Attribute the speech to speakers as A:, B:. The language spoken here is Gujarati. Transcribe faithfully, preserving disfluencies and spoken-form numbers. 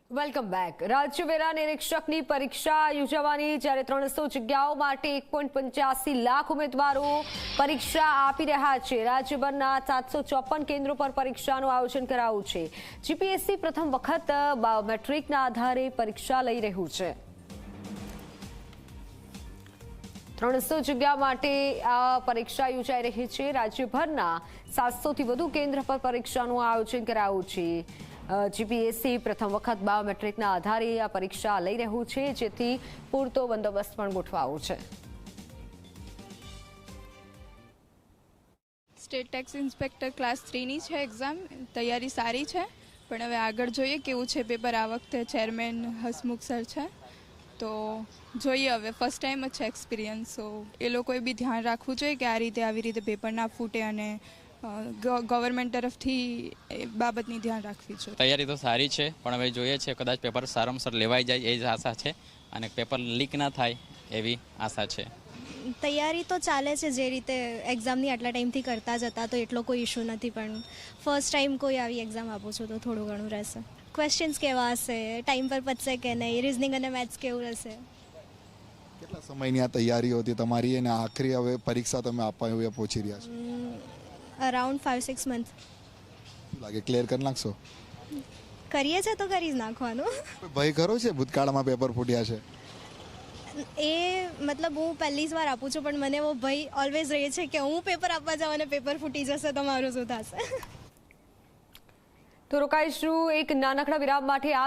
A: Welcome back. રાજ્ય વેરા નિરીક્ષકની પરીક્ષા યોજાવાની, જ્યારે ત્રણસો જગ્યાઓ માટે એક પોઈન્ટ પંચ્યાસી લાખ ઉમેદવારો પરીક્ષા આપી રહ્યા છે। રાજ્યભરના સાતસો ચોપન કેન્દ્રો પર પરીક્ષાનું આયોજન કરાયું છે। જીપીએસસી પ્રથમ વખત બાયોમેટ્રિકના આધારે પરીક્ષા લઈ રહ્યું છે। ત્રણસો જગ્યા માટે આ પરીક્ષા યોજાઈ રહી છે। રાજ્યભરના સાતસોથી વધુ કેન્દ્ર પર પરીક્ષાનું આયોજન કરાયું છે। જીપીએસસી પ્રથમ વખત બાયોમેટ્રિકના આધારે આ પરીક્ષા લઈ રહ્યું છે, જેથી પૂરતો બંદોબસ્ત પણ ગોઠવાયો છે।
B: સ્ટેટ ટેક્સ ઇન્સ્પેક્ટર ક્લાસ થ્રીની છે એક્ઝામ। તૈયારી સારી છે, પણ હવે આગળ જોઈએ કેવું છે પેપર। આ વખતે ચેરમેન હસમુખ સર છે, તો જોઈએ હવે ફર્સ્ટ ટાઈમ જ છે એક્સપિરિયન્સ, સો એ લોકોએ બી ધ્યાન રાખવું જોઈએ કે આ રીતે આવી રીતે પેપર ના ફૂટે અને ગવર્મેન્ટ તરફથી એ બાબતની ધ્યાન રાખવી છે।
C: તૈયારી તો સારી છે, પણ હવે જોઈએ છે કદાચ પેપર સારામાં સારું લેવાઈ જાય એ જ આશા છે, અને પેપર લીક ના થાય એવી આશા છે।
D: તૈયારી તો ચાલે છે, જે રીતે એક્ઝામની આટલા ટાઈમથી કરતા જ હતા, તો એટલો કોઈ ઇશ્યુ નથી, પણ ફર્સ્ટ ટાઈમ કોઈ આવી એક્ઝામ આપું છું તો થોડું ઘણું રહેશે। ક્વેશ્ચન્સ કેવા હશે, ટાઈમ પર પતશે કે નહીં, રિઝનિંગ અને મેથ્સ કેવું રહેશે।
E: કેટલા સમયની આ તૈયારીઓ હતી તમારી, અને આખરી હવે પરીક્ષા તમે આપવા હવે પહોંચી રહ્યા છો?
D: અરાઉન્ડ ફાઇવ સિક્સ મંથ
E: લાગે ક્લિયર કરી નાખશો?
D: કરીએ છે તો કરી જ નાખવાનું।
E: ભય ખરો છે ભૂતકાળમાં પેપર ફૂટ્યા છે
D: એ મતલબ હું પહેલી જ વાર આપું છું, પણ મને એવો ભય ઓલવેઝ રહે છે કે હું પેપર આપવા જાઉં અને પેપર ફૂટી જશે તો મારું શું થશે।
A: તો રોકાઈશું એક નાનકડા વિરામ માટે।